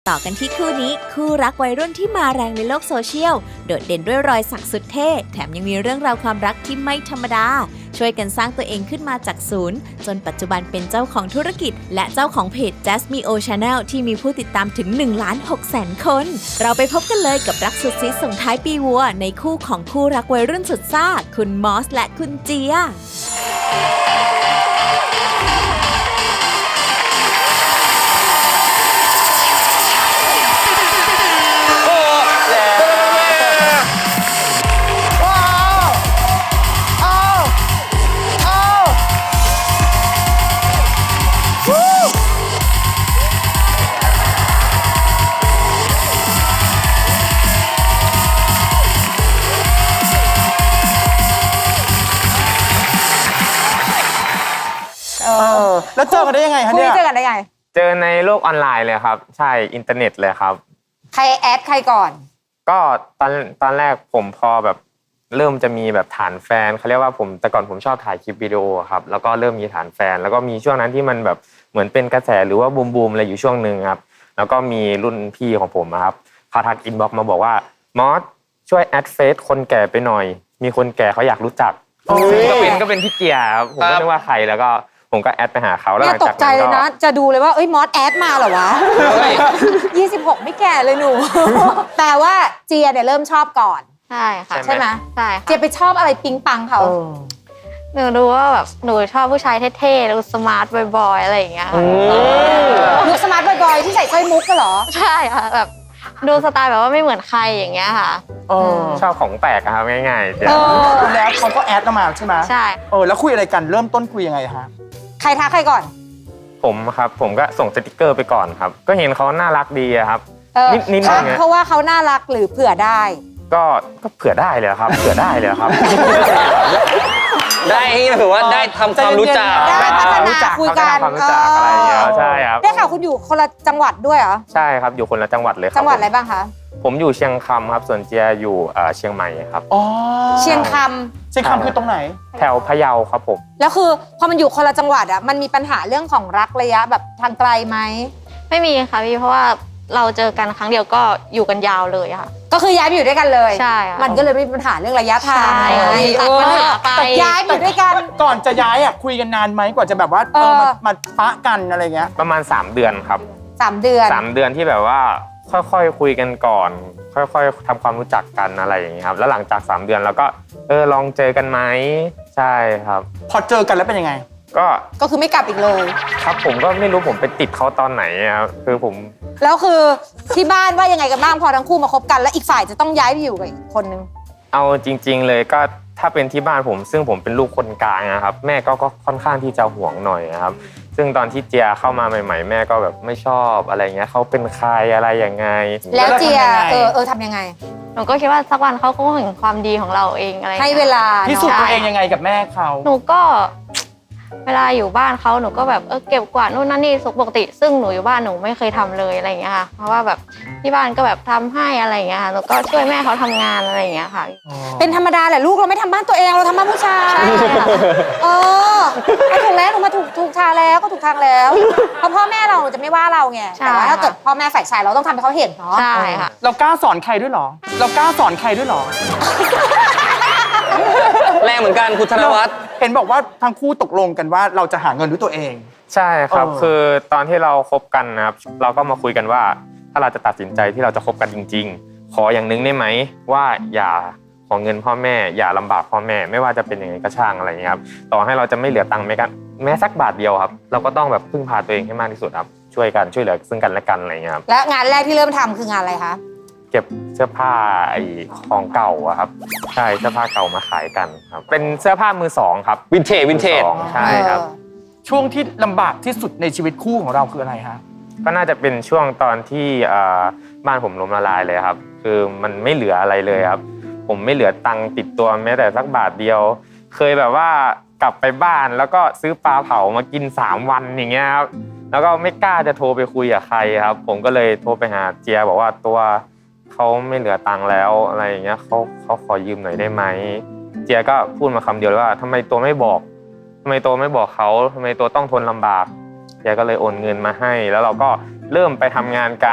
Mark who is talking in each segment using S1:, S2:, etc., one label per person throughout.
S1: ต่อกันที่คู่นี้คู่รักวัยรุ่นที่มาแรงในโลกโซเชียลโดดเด่นด้วยรอยสักสุดเท่แถมยังมีเรื่องราวความรักที่ไม่ธรรมดาช่วยกันสร้างตัวเองขึ้นมาจากศูนย์จนปัจจุบันเป็นเจ้าของธุรกิจและเจ้าของเพจ Jasmine O Channel ที่มีผู้ติดตามถึง 1,600,000 คนเราไปพบกันเลยกับรักสุดซีดส่งท้ายปีวัวในคู่ของคู่รักวัยรุ่นสุดซ่าคุณมอสและคุณเจีย
S2: แล้วเจอกันได้ยังไงคะเนี่ย
S3: เจอกันได้ไง
S4: เจอในโลกออนไลน์เลยครับใช่อินเทอร์เน็ตเลยครับ
S3: ใครแอดใครก่อน
S4: ก็ตอนแรกผมพอแบบเริ่มจะมีแบบฐานแฟนเขาเรียกว่าผมแต่ก่อนผมชอบถ่ายคลิปวิดีโอครับแล้วก็เริ่มมีฐานแฟนแล้วก็มีช่วงนั้นที่มันแบบเหมือนเป็นกระแสหรือว่าบูมอะไรอยู่ช่วงนึงครับแล้วก็มีรุ่นพี่ของผมครับเขาทักอินบ็อกซ์มาบอกว่ามอสช่วยแอดเฟซคนแก่ไปหน่อยมีคนแก่เขาอยากรู้จักซึ่งก็เป็นพี่เจียครับผมก็นึกว่าใครแล้วก็ผมก็แอดไปหาเขาแล้วหลังจากนั้นก็ตก
S3: ใจเลยนะจะดูเลยว่าเอ้ยมอสแอดมาเหรอวะ26ไม่แก่เลยหนูแปลว่าเจียเนี่ยเริ่มชอบก่อน
S5: ใช่ค่ะ
S3: ใช่ไหม
S5: ใช่ค่ะ
S3: เจียไปชอบอะไรปิ๊งปังเขา
S5: หนูรู้ว่าแบบหนูชอบผู้ชายเท่ๆดูสมาร์ทบอยๆอะไรอย่างเงี้ย
S3: ดูสมาร์ทบอยๆที่ใส่สร้อยมุกก็เหรอ
S5: ใช่ค่ะแบบดูสไตล์แบบว่าไม่เหมือนใครอย่างเงี้ยค่ะ
S4: ชอบของแปลกครับง่ายๆเจีย
S2: แล้วเขาก็แอดมาใช่ไหม
S5: ใช่
S2: แล้วคุยอะไรกันเริ่มต้นคุยยังไงฮะ
S3: ใครทักใครก่อน
S4: ผมครับผมก็ส่งสติกเกอร์ไปก่อนครับก็เห็นเขาน่ารักดีครับนิด
S3: เพราะว่าเขาน่ารักหรือเผื่อได้
S4: ก็เผื่อได้เลยครับเผื่อได้เลยครับ
S6: ได้ถือว่าได้ทำความรู้จัก
S3: ได้พัฒนาคุยกัน
S4: ความรู้จักอะไรอย่างเงี้ยใช่ครับ
S3: ได้ข่าวคุณอยู่คนละจังหวัดด้วยเหรอ
S4: ใช่ครับอยู่คนละจังหวัดเลย
S3: จังหวัดอะไรบ้างคะ
S4: ผมอยู่เชียงคำครับส่วนเจียอยู่เชียงใหม่ครับ
S3: เชียงค
S2: ำคือตรงไหน
S4: แถวพะเยาครับผม
S3: แล้วคือพอมันอยู่คนละจังหวัดอ่ะมันมีปัญหาเรื่องของรักระยะแบบทางไกลไหม
S5: ไม่มีค่ะพี่เพราะว่าเราเจอกันครั้งเดียวก็อยู่กันยาวเลยค่ะ
S3: ก็คือย้ายไปอยู่ด้วยกันเลย
S5: ใช่
S3: มันก็เลยไม่มีปัญหาเรื่องระยะทาง
S5: ตัดปัญหาไป
S3: ย้ายไปอยู่ด้วยกัน
S2: ก่อนจะย้ายอ่ะคุยกันนานไหมกว่าจะแบบว่ามาปะกันอะไรเงี้ย
S4: ประมาณ3 เดือนครับ
S3: 3 เดือน
S4: 3 เดือนที่แบบว่าค่อยๆคุยกันก่อนค่อยๆทำความรู้จักกันอะไรอย่างเงี้ยครับแล้วหลังจาก3 เดือนเราก็ลองเจอกันไหมใช่ครับ
S2: พอเจอกันแล้วเป็นยังไง
S3: ก็คือไม่กลับอีกเลย
S4: ครับผมก็ไม่รู้ผมไปติดเขาตอนไหนครับคือผม
S3: แล้วคือที่บ้านว่ายังไงกันบ้างพอทั้งคู่มาคบกันแล้วอีกฝ่ายจะต้องย้ายไปอยู่กับอีกคนนึง
S4: เอาจริงๆเลยก็ถ้าเป็นที่บ้านผมซึ่งผมเป็นลูกคนกลางนะครับแม่ก็ค่อนข้างที่จะห่วงหน่อยนะครับซึ่งตอนที่เจียเข้ามาใหม่ๆแม่ก็แบบไม่ชอบอะไรเงี้ยเขาเป็นใครอะไรยังไง
S3: แล้วเจียทำยังไง
S5: หนูก็คิดว่าสักวันเขาคงเห็นความดีของเราเองอะไร
S3: ให้เวลา
S2: พิสูจน์ตัวเองยังไงกับแม่เขา
S5: หนูก็เวลาอยู่บ้านเขาหนูก็แบบเก็บกวาดนู่นนั่นนี่สุขปกติซึ่งหนูอยู่บ้านหนูไม่เคยทำเลยอะไรอย่างเงี้ยค่ะเพราะว่าแบบที่บ้านก็แบบทำให้อะไรอย่างเงี้ยค่ะหนูก็ช่วยแม่เขาทำงานอะไรอย่างเงี้ยค่ะ
S3: เป็นธรรมดาแหละลูกเราไม่ทำบ้านตัวเองเราทำบ้านผู้ชายถูกแล้วหนูมาถูกทางแล้วก็ถูกทางแล้วเพราะพ่อแม่เราจะไม่ว่าเราไงแต่ว่าถ้าเกิดพ่อแม่ฝ่ายชายเราต้องทำให้เขาเห็นเนาะ
S5: ใช่ค่ะ
S2: เรากล้าสอนใครด้วยหรอ
S6: แรงเหมือนกันคุณธนวัฒน์
S2: เห็นบอกว่าทั้งคู่ตกลงกันว่าเราจะหาเงินด้วยตัวเอง
S4: ใช่ครับคือตอนที่เราคบกันนะครับเราก็มาคุยกันว่าถ้าเราจะตัดสินใจที่เราจะคบกันจริงๆขออย่างนึงได้ไหมว่าอย่าขอเงินพ่อแม่อย่าลำบากพ่อแม่ไม่ว่าจะเป็นยังไงก็ช่างอะไรอย่างเงี้ยครับต่อให้เราจะไม่เหลือตังค์แม้สักบาทเดียวครับเราก็ต้องแบบพึ่งพาตัวเองให้มากที่สุดครับช่วยเหลือซึ่งกันและกันอะไรอย่างเงี้ยครับ
S3: และงานแรกที่เริ่มทำคืองานอะไรคะ
S4: เก็บเสื้อผ้าของเก่าอะครับใช่เสื้อผ้าเก่ามาขายกันครับเป็นเสื้อผ้ามือ2ครับ
S6: วินเทจ
S4: ใช่ครับ
S2: ช่วงที่ลำบากที่สุดในชีวิตคู่ของเราคืออะไรฮะ
S4: ก็น่าจะเป็นช่วงตอนที่บ้านผมล้มละลายเลยครับคือมันไม่เหลืออะไรเลยครับผมไม่เหลือตังค์ติดตัวแม้แต่สักบาทเดียวเคยแบบว่ากลับไปบ้านแล้วก็ซื้อปลาเผามากิน3 วันอย่างเงี้ยครับแล้วก็ไม่กล้าจะโทรไปคุยกับใครครับผมก็เลยโทรไปหาเจียบอกว่าตัวเขาไม่เหลือตังค์แล้วอะไรอย่างเงี้ยเขาขอยืมหน่อยได้ไหมเจียก็พูดมาคำเดียวว่าทำไมตัวไม่บอกเขาทำไมตัวต้องทนลำบากเจียก็เลยโอนเงินมาให้แล้วเราก็เริ่มไปทำงานกัน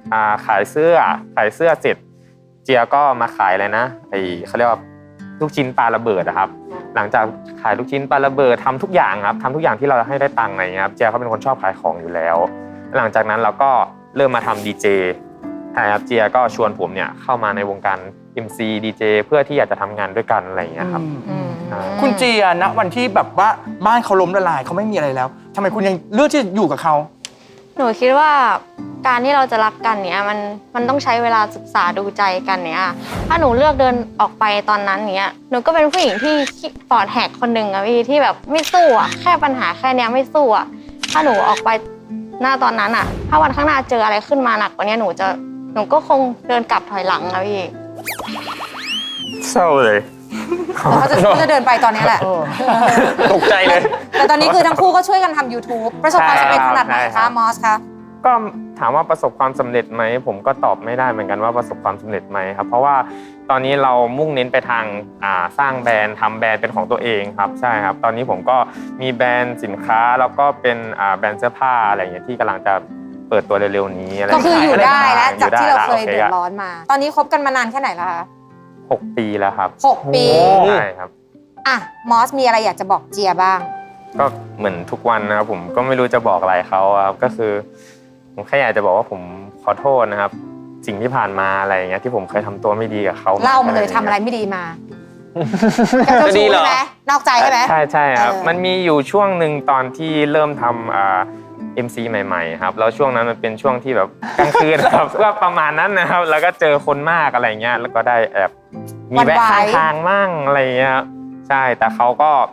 S4: ขายเสื้อเสร็จเจียก็มาขายอะไรนะเขาเรียกว่าลูกชิ้นปลาระเบิดนะครับหลังจากขายลูกชิ้นปลาระเบิดทำทุกอย่างครับทำทุกอย่างที่เราให้ได้ตังค์อะไรเงี้ยครับเจียเขาเป็นคนชอบขายของอยู่แล้วหลังจากนั้นเราก็เริ่มมาทำดีเจใช่ครับเจียก็ชวนผมเนี่ยเข้ามาในวงการ MC ดีเจเพื่อที่อยากจะทำงานด้วยกันอะไรอย่างเงี้ยครับ
S2: คุณเจียณวันที่แบบว่าบ้านเขาล้มละลายเขาไม่มีอะไรแล้วทำไมคุณยังเลือกที่จะอยู่กับเขา
S5: หนูคิดว่าการที่เราจะรักกันเนี้ยมันต้องใช้เวลาศึกษาดูใจกันเนี้ยถ้าหนูเลือกเดินออกไปตอนนั้นเนี้ยหนูก็เป็นผู้หญิงที่ปอดแหกคนหนึ่งอะพี่ที่แบบไม่สู้อะแค่ปัญหาแค่เนี้ยไม่สู้อะถ้าหนูออกไปหน้าตอนนั้นอะถ้าวันข้างหน้าเจออะไรขึ้นมาหนักกว่านี้หนูก็คงเดินกลับถอยหลังอะพี่
S4: เศร้าเลย
S3: เขาจะเดินไปตอนนี้แหละ
S6: ตกใจเลย
S3: แต่ตอนนี้คือทั้งคู่ก็ช่วยกันทำ YouTube ประสบความสำเร็จขนาดไหน
S4: ใช่ครั
S3: คะ
S4: บ
S3: มอสคะ
S4: ก็ถามว่าประสบความสำเร็จไหมผมก็ตอบไม่ได้เหมือนกันว่าประสบความสำเร็จไหมครับเพราะว่าตอนนี้เรามุ่งเน้นไปทางสร้างแบรนด์ทำแบรนด์เป็นของตัวเองครับใช่ครับตอนนี้ผมก็มีแบรนด์สินค้าแล้วก็เป็นแบรนด์เสื้อผ้าอะไรอย่างเงี้ยที่กำลังจะเปิดตัวเร็วๆนี้อะไร
S3: ก็คืออยู่ได้แล้วจากที่เราเคย
S4: โอ
S3: เดือดร้อนมา ตอนนี้คบกันมานานแค่ไหนแล้วคะ
S4: 6 ปีแล้วครับ
S3: 6 ปี
S4: ใช่ครับ
S3: อ่ะมอสมีอะไรอยากจะบอกเจียบ้าง
S4: ก็เหมือนทุกวันนะครับผมก็ไม่รู้จะบอกอะไรเขาครับก็คือผมแค่อยากจะบอกว่าผมขอโทษนะครับ สิ่งที่ผ่านมาอะไรอย่างเงี้ยที่ผมเคยทำตัวไม่ดีกับเขา
S3: เล่ามาเลยทำอะไรไม่ดีมา
S6: จะดีเหรอ
S3: ใช่ไหมนอกใจใช่ไหม
S4: ใช่ครับ
S3: เออ
S4: มันมีอยู่ช่วงหนึ่งตอนที่เริ่มทำMC ใหม่ๆครับแล้วช่วงนั้นมันเป็นช่วงที่แบบกลางคืนครับ ก็ประมาณนั้นนะครับแล้วก็เจอคนมากอะไรเงี้ยแล้วก็ได้แอบมีแวะข้างทางมั่งอะไรเงี้ยครับใช่แต่เขา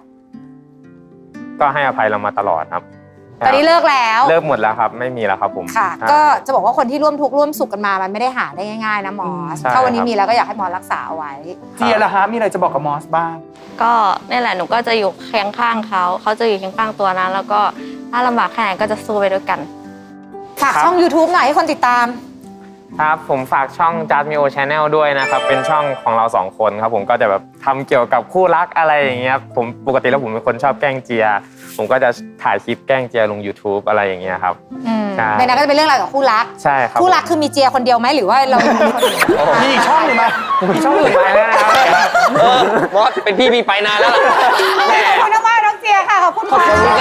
S4: ก็ให้อภัยเรามาตลอดครับ
S3: ตอนนี้เลิกแล้ว
S4: เลิกหมดแล้วครับไม่มีแล้วครับผม
S3: ค่ะ
S4: ใช่
S3: ก็จะบอกว่าคนที่ร่วมทุกข์ร่วมสุขกันมามันไม่ได้หาได้ง่ายๆนะมอส
S4: ใช่
S3: ถ้าวันนี้
S4: ครับ
S3: มีแล้วก็อยากให้มอสรักษาเอาไว้
S2: เจียล่ะฮะมีอะไรจะบอกกับมอสบ้าง
S5: ก็นี่แหละหนูก็จะอยู่เคียงข้างเขาจะอยู่เคียงข้างตัวนั้นแล้วก็ถ้าลำบากแค่ไหนก็จะสู้ไปด้วยกัน
S3: ฝากช่อง YouTube หน่อยให้คนติดตาม
S4: ครับผมฝากช่อง Just Mio Channel ด้วยนะครับเป็นช่องของเรา2คนครับผมก็จะแบบทำเกี่ยวกับคู่รักอะไรอย่างเงี้ยผมปกติแล้วผมเป็นคนชอบแกล้งเจียผมก็จะถ่ายคลิปแกล้งเจียลง YouTube อะไรอย่างเงี้ยครับ ใช่
S3: ในนั้นก็จะเป็นเรื่องราวกับคู่รัก
S4: ใช่ครับ
S3: คู่รักคือมีเจียคนเดียวไหมหรือว่าเรามีคนอื่น
S2: มีอีกช่องหนึ่งไหม
S4: มีช่องอื่นไปแล้วนะครับ
S6: มอสเป็นพี่ไปนานแล้วล่ะแหม
S3: ขอบคุณมากๆน้องเจียค่ะ ขอบคุณค่ะ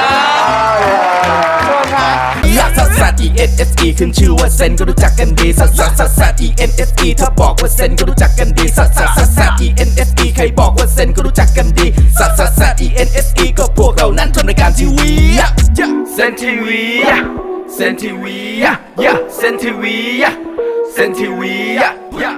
S7: ลักซัสซัส E N S E ขึ้นชื่อว่าเซนก็รู้จักกันดีซัสซัสซัสซัส E N S E ถ้าบอกว่าเซนก็รู้จักกันดีซัสซัสซัสซัส E N S E ใครบอกว่าเซนก็รู้จักกันดีซัสซัสซัส E N S E ก็พวกเรานั้นทำรายการทีวีเซนทีวีเซนทีวีเซนทีวีเซนทีวี